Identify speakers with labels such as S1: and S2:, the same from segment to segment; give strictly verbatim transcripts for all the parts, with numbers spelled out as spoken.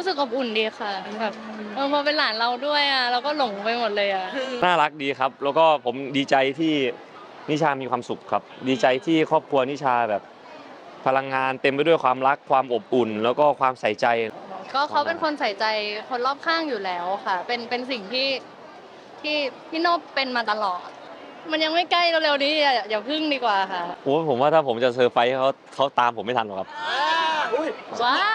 S1: รู้สึกอบอุ่นดีค่ะแบบเออพอเป็นหลานเราด้วยอ่ะเราก็หลงไปหมดเลยอ่ะ
S2: น่ารักดีครับแล้วก็ผมดีใจที่นิชามีความสุขครับดีใจที่ครอบครัวนิชาแบบพลังงานเต็มไปด้วยความรักความอบอุ่นแล้วก็ความใส่ใจ
S1: ก็เขาเป็นคนใส่ใจคนรอบข้างอยู่แล้วค่ะเป็นเป็นสิ่งที่ที่พี่โนบเป็นมาตลอดมันยังไม่ใกล้เร็วๆนี้อย่าอย่าพึ่งดีกว่าค่ะ
S2: โอ้ผมว่าถ้าผมจะเซอร์ไพรส์เขาเขาตามผมไม่ทันหรอกครับ
S1: ว้าว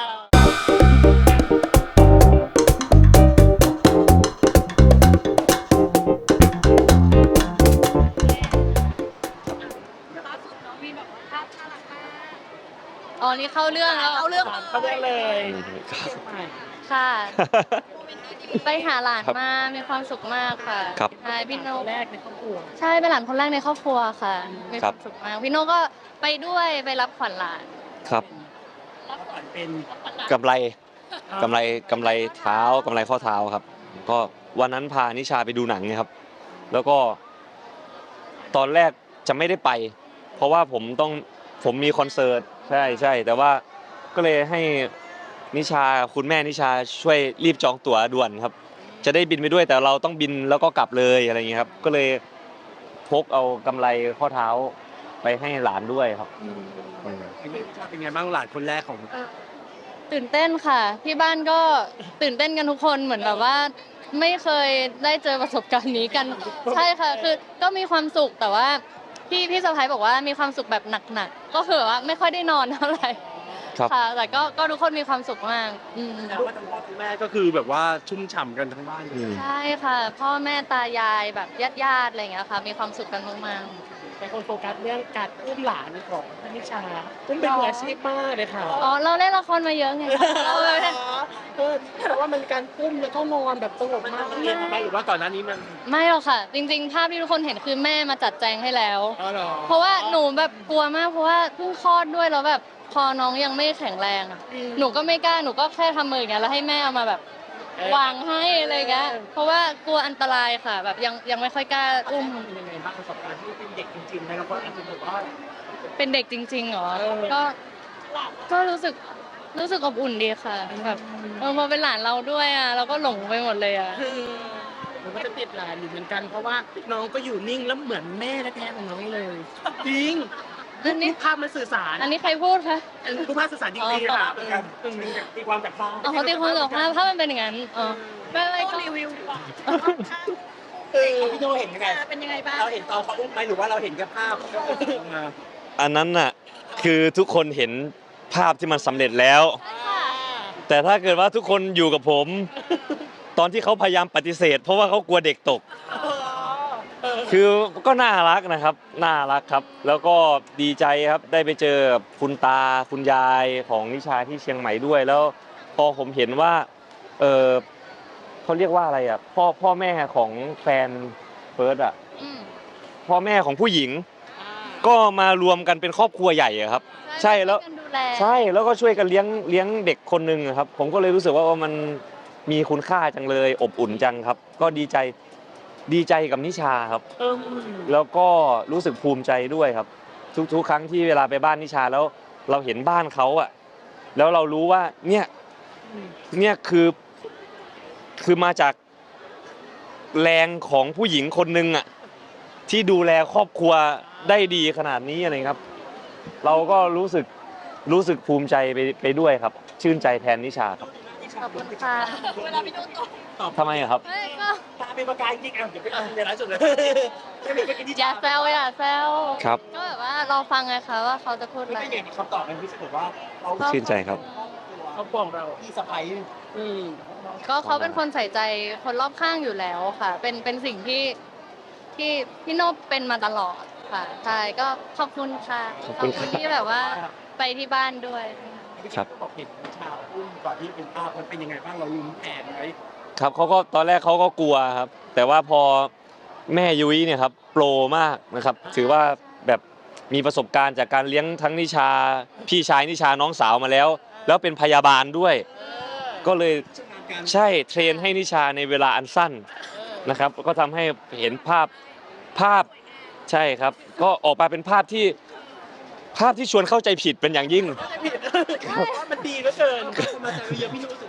S1: อ๋อนี่เข้าเรื่องแล้ว
S3: เอาเรื่องเขาเรื่องเลย
S1: ค่ะ ไปหาหลานมามีความสุขมากค่ะ
S2: ครับ
S1: ใช่พี่โน
S3: แรกในครอบครัว
S1: ใช่เป็นหลานคนแรกในครอบครัวค่ะมีความสุขมากพี่โนก็ไปด้วยไปรับขวัญหลาน
S2: ครับ
S3: รับขวัญเป็น
S2: กำไรกำไรกำไรเท้ากำไรข้อเท้าครับก็วันนั้นพานิชาไปดูหนังนะครับ แล้วก็ตอนแรกจะไม่ได้ไป เพราะว่าผมต้องผมมีคอนเสิร์ตใช่ใช่แต่ว่าก็เลยให้นิชาคุณแม่นิชาช่วยรีบจองตั๋วด่วนครับ จะได้บินไปด้วยแต่เราต้องบินแล้วก็กลับเลยอะไรอย่างเงี้ยครับ ก็เลยพกเอากำไรข้อเท้าไปให้หลานด้วยครับอืม
S3: เป็นไงบ้างหลานคนแรกของ
S1: ตื่นเต้นค่ะที่บ้านก็ตื่นเต้นกันทุกคนเหมือนแบบว่า ไม่เคยได้เจอประสบการณ์นี้กัน ใช่ค่ะคือก็มีความสุขแต่ว่าพี่พี่สะพ้ายบอกว่ามีความสุขแบบหนักๆก็คือแบบว่าไม่ค่อยได้นอนเท่าไหร่
S2: ครับ
S1: ค่ะแต่ก็ก็ทุกคนมีความสุขมากอืม
S3: แต่ว่าทั้งพ่อทั้งแม่ก็คือแบบว่าชุ่มฉ่ำกันทั้งบ้านเลย
S2: อืม
S1: ใช่ค่ะ พ่อแม่ตายายแบบญาติๆอะไรอย่างเงี้ยค่ะมีความสุขกันมาก
S3: แต่คนโฟกัสเรื่องการอุ้มหลานของนิชาอุ้มเป็นมืออาชีพมากเลยค่ะ
S1: ๆอ๋อเราเล่นละครมาเยอะไงเราเลย
S3: เออเพราะว่ามันการอุ้มแล้วก็นอนแบบสงบมากเรียนทำไมหรือว่าก่อนหน้านี้มัน
S1: ไม่หรอกค่ะ จริงๆภาพที่ทุกคนเห็นคือแม่มาจัดแจงให้แล้ว
S3: อ๋อเหรอ
S1: เพราะว่าหนูแบบกลัวมากเพราะว่าเพิ่งคลอดด้วยแล้วแบบพอน้องยังไม่แข็งแรงอะหนูก็ไม่กล้าหนูก็แค่ทำมืออย่างเงี้ยแล้วให้แม่เอามาแบบวางให้อะไรเงี้ยเพราะว่ากลัวอันตรายค่ะ แบบยังยังไม่ค่อยกล้าอุ้ม
S3: เป็นยังไงบ้างประสบการณ์ที่เป็นเด็กจริงๆนะครับว่าอาจจะแบบว่า
S1: เป็นเด็กจริงๆเหรอ
S3: เออ
S1: ก็ก็รู้สึกรู้สึกอบอุ่นดีค่ะแบบเออพอเป็นหลานเราด้วยอ่ะเราก็หลงไปหมดเลยอ่ะ
S3: มันก็จะติดหลานอยู่เหมือนกันเพราะว่าน้องก็อยู่นิ่งแล้วเหมือนแม่แท้ๆของน้องเลยจริง
S1: อันนี้
S3: ภาพมันสื่อสาร
S1: อันนี้ใครพูดคะ
S3: รูปภาพสื่อสารจริงๆค่ะเป็นตีความจากภาพ
S1: อ๋อเขาตีความกับภาพภาพมันเป็นอย่างนั้นอ๋อไม่ไม่ก็
S4: รีวิวดีกว่า
S3: เออพี่โนเห็นยังไง
S4: เป็นยังไงบ้าง
S3: เราเห็นตอนเขาอุ้มไหมหรือว่าเราเห็นแค่ภาพมา
S2: อันนั้นน่ะคือทุกคนเห็นภาพที่มันสำเร็จแล้ว แต่ถ้าเกิดว่าทุกคนอยู่กับผม ตอนที่เขาพยายามปฏิเสธ เพราะว่าเขากลัวเด็กตก คือก็น่ารักนะครับน่ารักครับ แล้วก็ดีใจครับได้ไปเจอกับคุณตาคุณยายของนิชาที่เชียงใหม่ด้วย แล้วพอผมเห็นว่าเออเขาเรียกว่าอะไรอ่ะพ่อพ่อแม่ของแฟนเฟิร์สอ่ะ
S1: อืม
S2: พ่อแม่ของผู้หญิง ก็มารวมกันเป็นครอบครัวใหญ่อะครับ ใช่แล้ว
S1: ช่ยกันดูแล
S2: ใช่แล้วก็ช่วยกันเลี้ยงเลี้ยงเด็กคนหนึ่งอะครับ ผมก็เลยรู้สึกว่ามันมีคุณค่าจังเลยอบอุ่นจังครับ ก็ดีใจดีใจกับนิชาครับ
S3: เออ
S2: แล้วก็รู้สึกภูมิใจด้วยครับ ทุกๆ ครั้งที่เวลาไปบ้านนิชาแล้วเราเห็นบ้านเขาอะแล้วเรารู้ว่าเนี่ยเนี่ยคือคือมาจากแรงของผู้หญิงคนหนึ่งอะที่ดูแลครอบครัวได้ดีขนาดนี้อะไรครับ เราก็รู้สึกรู้สึกภูมิใจไปไปด้วยครับ ชื่นใจแทนนิชาครับ
S1: ขอบคุณค่ะ
S4: เวลาพี่โดนตก
S3: ตอบ
S2: ทำไมอะครับ
S1: เฮ้ยก็
S3: ตาเป็นประกายจริงๆอ่ะเดี๋ยวไปเอาในร้านสุดเลยไม่เป็นไปกินที่
S1: อย่าแซวอย่าแซว
S2: ครับ
S1: ก็แบบว่าเราฟังไงคะว่าเขาจะพูดอะไร
S3: ไม่เห็นคำตอบมันพี่บอกว่าเรา
S2: ชื่นใจครับ
S3: เขาบอกเราพี่สะพ้ายอืม
S1: ก็เขาเป็นคนใส่ใจคนรอบข้างอยู่แล้วค่ะ เป็นเป็นสิ่งที่ที่พี่โนบเป็นมาตลอดค่ะใช่ก็ขอบคุณค่ะ
S2: ขอบคุณครับ
S1: ที่แบบว่าไปที่บ้านด้วย
S3: ครับบอกเห็นชาวอุ้มก่อนที่เป็นภาพมันเป็นยังไงบ้างเราลุ้นแผนไหม
S2: ครับเขาก็ตอนแรกเขาก็กลัวครับ แต่ว่าพอแม่ยุ้ยเนี่ยครับโปรมากนะครับ ถือว่าแบบมีประสบการณ์จากการเลี้ยงทั้งนิชา พี่ชายนิชาน้องสาวมาแล้ว แล้วเป็นพยาบาลด้วย ก็เลยใช่เทรนให้นิชาในเวลาอันสั้นนะครับ ก็ทำให้เห็นภาพภาพใช่ครับ ก็ออกมาเป็นภาพที่ภาพที่ชวนเข้าใจผิดเป็นอย่างยิ่ง
S3: ว่ามันดีเหลือเกินคนมาแซวเยอะพี่รู้สึกไง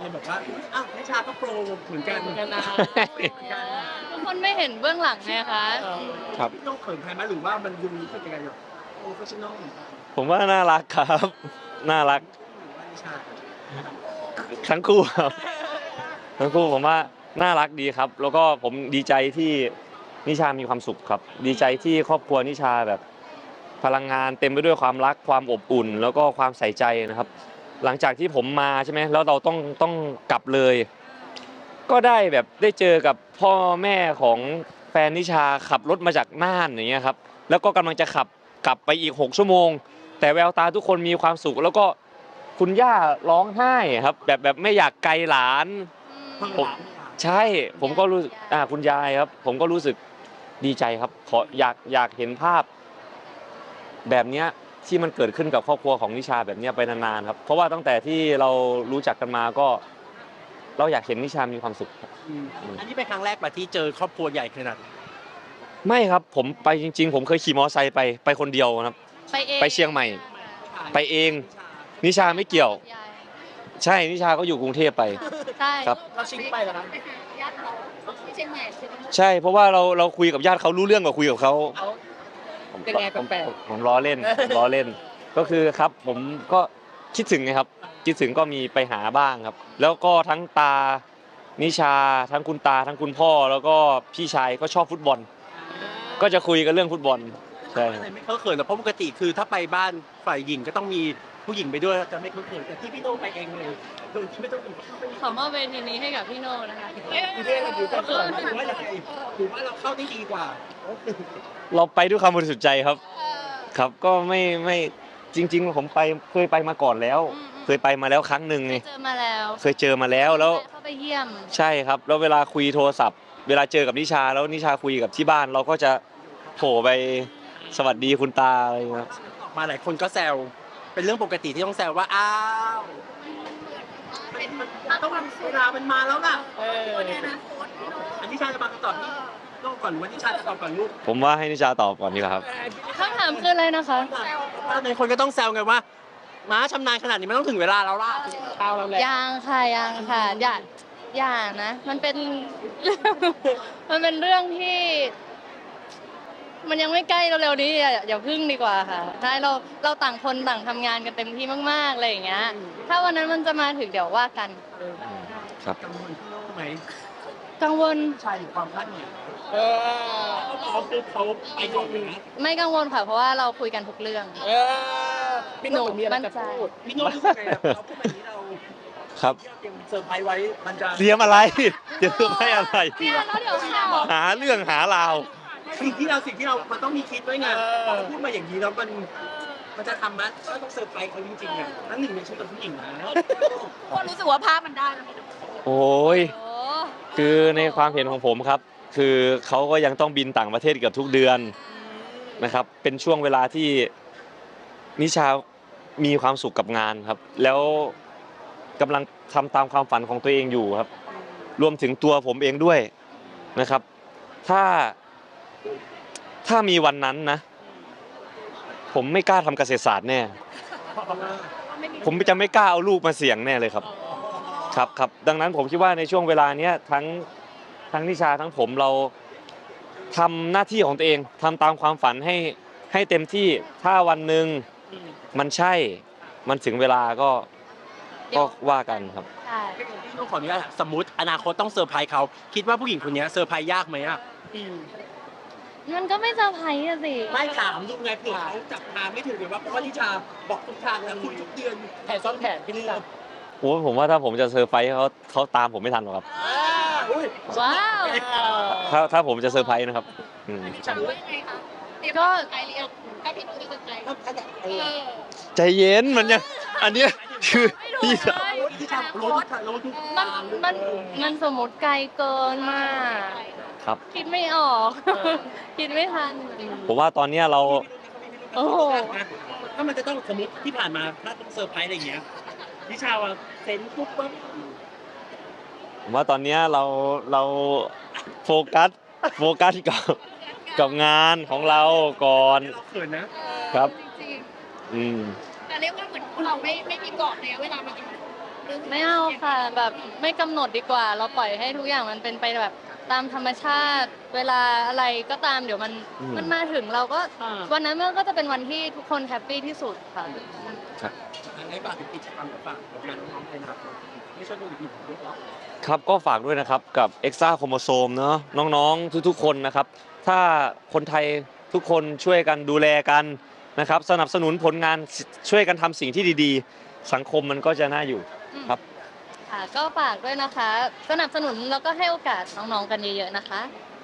S3: คนบอกว่าอ้าวนิชาก็โปรเหมือนกันเหมือนกันนะ
S1: ทุกคนไม่เห็นเบื้องหลังไงคะ
S2: ครับ
S3: พี่ต้องเขินใครไหมหรือว่ามันดูรู้สึกยังไงแบบโปรเฟชชั่นอล
S2: ผมว่าน่ารักครับ น่ารัก
S3: นิชา
S2: ทั้งคู่ครับทั้งคู่ผมว่าน่ารักดีครับ แล้วก็ผมดีใจที่นิชามีความสุขครับ ดีใจที่ครอบครัวนิชาแบบพลังงานเต็มไปด้วยความรักความอบอุ่น แล้วก็ความใส่ใจนะครับ หลังจากที่ผมมาใช่ไหมแล้วเราต้องต้องกลับเลย ก็ได้แบบได้เจอกับพ่อแม่ของแฟนนิชาขับรถมาจากน่านอย่างเงี้ยครับแล้วก็กำลังจะขับกลับไปอีกหกชั่วโมง แต่แววตาทุกคนมีความสุข แล้วก็คุณย่าร้องไห้ครับแบบแบบไม่อยากไกลหลาน ผม ใช่ผมก็รู้สึกอ่าคุณยายครับ ผมก็รู้สึกดีใจครับขออยากอยากเห็นภาพ แบบเนี้ยที่มันเกิดขึ้นกับครอบครัวของนิชาแบบเนี้ยไปนานๆครับเพราะว่าตั้งแต่ที่เรารู้จักกันมาก็ เราอยากเห็นนิชามีความสุขครับ
S3: อืมอันนี้เป็นครั้งแรกมาที่เจอครอบครัวใหญ่ขนาดนี้
S2: ไม่ครับผมไปจริง ๆ ผมเคยขี่มอเตอร์ไซค์ไปไปคนเดียวครับ
S1: ไปเอง
S2: ไปเชียงใหม่ ไปเอง นิชาไม่เกี่ยว ใช่นิชาก็อยู่กรุงเทพไป
S1: ใช่
S2: ครับ
S3: เราชิงไปแล้วนะ
S4: ญาติเขาที่เชียงใหม่ใช่ไหม
S2: ใช่เพราะว่าเราเราคุยกับญาติเขารู้เรื่องกว่าคุยกับเขา
S3: เขา
S2: ผม
S3: ยังไง
S2: ผม
S3: แปลก
S2: ผมผมล้อเล่นผมล้อเล่น ก็คือครับผมก็คิดถึงไงครับคิดถึงก็มีไปหาบ้างครับ แล้วก็ทั้งตานิชาทั้งคุณตาทั้งคุณพ่อ แล้วก็พี่ชายก็ชอบฟุตบอล ก็จะคุยกันเรื่องฟุตบอลใช่
S3: อะไรไม่เข้าเขินหรอกเพราะปกติคือถ้าไปบ้านฝ่ายหญิงก็ต้องมีผู้หญิงไปด้วยจะไม่เข้าเขินแต่ที่พี่โต้ไปเองเลยโดยที่ไม่ต้อง
S1: ขอมอบเวทีนี้ให้กับพี่โน่นะคะ
S3: พี่เท่เราอยู่กับเขินหรือว่ายังไงหรือว่าเราเข้าได้ดีกว่า
S2: เราไปด้วยความบริสุทธิ์ใจครับ ครับก็ไม่ไม่จริง ๆ ผมไปเคยไปมาก่อนแล้ว เคยไปมาแล้วครั้งหนึ่งไง
S1: เจอมาแล้ว
S2: เคยเจอมาแล้วแล้ว
S1: เข้าไปเยี่ยม
S2: ใช่ครับ แล้วเวลาคุยโทรศัพท์ เวลาเจอกับนิชาแล้วนิชาคุยกับที่บ้าน เราก็จะโผล่ไปสวัสดีคุณตาอะไรอย่างเงี้ยครับ
S3: มาหลายคนก็แซวเป็นเรื่องปกติที่ต้องแซวว่าอ้าวเป็นมันต้องเวลามันมาแล้วล่ะเอออันนี้ชาจะมาคำตอบนี้ต้องก่อนหรือว่านิชาจะตอบก่อนลูก
S2: ผมว่าให้นิชาตอบก่อนดีกว่าครับ
S1: คำถามคืออะไรนะคะ
S3: ในคนก็ต้องแซวไงว่าม้าชำนาญขนาดนี้มันต้องถึงเวลาแล้วล่ะเอาแล้วแหละ
S1: ยังค่ะยังค่ะอย่าอย่านะ มันเป็น มันเป็นเรื่องที่ มันยังไม่ใกล้เร็วๆนี้อย่าอย่าพึ่งดีกว่าค่ะใช่เราเราต่างคนต่างทำงานกันเต็มที่มากๆอะไรอย่างเงี้ย ถ้าวันนั้นมันจะมาถึงเดี๋ยวว่ากัน
S2: ครับ
S3: กังวลพี่โน่ไหม
S1: กังวล
S3: ชายหรือความคาดหวังเออเขาบอกเขาคือเขาไปก่อนเลยนะ
S1: ไม่กังวลค่ะเพราะว่าเราคุยกันทุกเรื่อง
S3: เออพี่โน่มีอะไรจะพูดพี่โน่รู้สึกไงอะเราพูดแบบนี้เรา
S2: ครับ
S3: เตรียมเซอร์ไพรส์ไว้มันจะ
S2: เตรียมอะไรเตรียมให้อะไร
S1: เนี่ยแล้วเดี๋ยวข่าว
S2: หาเรื่องหาราว
S3: สิ่งที่เราสิ่งที่เรา มันต้องมีคิดไว้ไงพอพูดมาอย่างนี้แล้วมันมันจะทำมั้ยก็ต้องเซอร์ไพรส์เขาจริงๆอ่ะนั่นหนึ่งในชุดของผู้หญิงนะ
S4: คนรู้สึกว่าภาพมันได้แล้ว
S2: โอ้ย
S1: โอ้
S2: คือในความเห็นของผมครับ คือเขาก็ยังต้องบินต่างประเทศเกือบทุกเดือนนะครับ เป็นช่วงเวลาที่นิชามีความสุขกับงานครับ แล้วกำลังทำตามความฝันของตัวเองอยู่ครับ รวมถึงตัวผมเองด้วยนะครับ ถ้าถ้ามีวันนั้นนะ ผมไม่กล้าทำเกษตรศาสตร์แน่ ผมจะไม่กล้าเอาลูกมาเสี่ยงแน่เลยครับ ครับครับดังนั้นผมคิดว่าในช่วงเวลาเนี้ยทั้งทั้งนิชาทั้งผมเราทำหน้าที่ของตัวเองทำตามความฝันให้ให้เต็มที่ถ้าวันหนึ่งมันใช่มันถึงเวลาก็ก็ว่ากันครับ
S1: ใช่
S3: พี่ต้องขออนุญาตสมมติอนาคตต้องเซอร์ไพรส์เขาคิดว่าผู้หญิงคนนี้เซอร์ไพรส์ยากไหมอ่ะ
S1: มันก็ไม่เซอร์ไพรส์อะสิ
S3: ไม่ถามดูไงเผื่อเขาจับทางไม่ถึงหรือว่าเพราะว่านิชาบอกทุกทางแล้วคุยทุกเดือนแผนซ้อนแผนพี่นิชา
S2: โอ้ผมว่าถ้าผมจะเซอร์ไพรส์เขาเขาตามผมไม่ทันหรอกครับ
S3: อุ้ย
S1: ว้าว
S2: ถ้าถ้าผมจะเซอร์ไพรส์นะครับอืม
S3: ฉัน
S4: ว่ายังไงคะเตรียม
S1: ก็
S4: ใจเรียนถ้าพี่หนูจะสนใจ
S3: ถ้าถ้าจะเอ
S4: เอ
S3: อ
S4: อ
S2: ใจเย็นมันยังอันเนี้ยคือพี่สาว
S3: นิชารู้ทุกรู้ทุก
S1: มันมันมันสมมติไกลเกินมาก
S2: ครับ
S1: คิดไม่ออก คิดไม่ทัน
S2: ผมว่าตอนเนี้ยเรา
S1: โอ้โห
S3: ถ้ามันจะต้องสมมติที่ผ่านมาถ้าต้องเซอร์ไพรส์อะไรอย่างเงี้ยนิชาว่าเซนปุ๊บปั๊บ
S2: ผมว่าตอนเนี้ยเราเราโฟกัสโฟกัสกับกับงานของเราก่อน
S3: เราเขินนะ
S2: ครับ
S4: จริง
S2: อืม
S4: ๆแต่เรียกว่าเหมือนเราไม่ไม่มีกรอบเลยเวลามันจะ
S1: ไม่เอาค่ะแบบไม่กำหนดดีกว่า เราปล่อยให้ทุกอย่างมันเป็นไปแบบตามธรรมชาติ เวลาอะไรก็ตามเดี๋ยวมัน
S2: อืม
S1: มันมาถึงเราก็
S3: อ่า
S1: วันนั้นมันก็จะเป็นวันที่ทุกคนแฮปปี้ที่สุดค่ะ
S3: ให้ฝากถึงกิจกรรมกับฝากกับงานน้องๆเลยนะครับไม่ช่วยดูอีกหนึ่งด้วยเหรอ
S2: ครับก็ฝากด้วยนะครับกับ Extra Chromosome เนอะน้องๆทุกๆคนนะครับ ถ้าคนไทยทุกคนช่วยกันดูแลกันนะครับ สนับสนุนผลงานช่วยกันทำสิ่งที่ดีๆ สังคมมันก็จะน่าอยู่ครับ
S1: ค่ะก็ฝากด้วยนะคะ สนับสนุนแล้วก็ให้โอกาสน้องๆกันเยอะๆนะคะ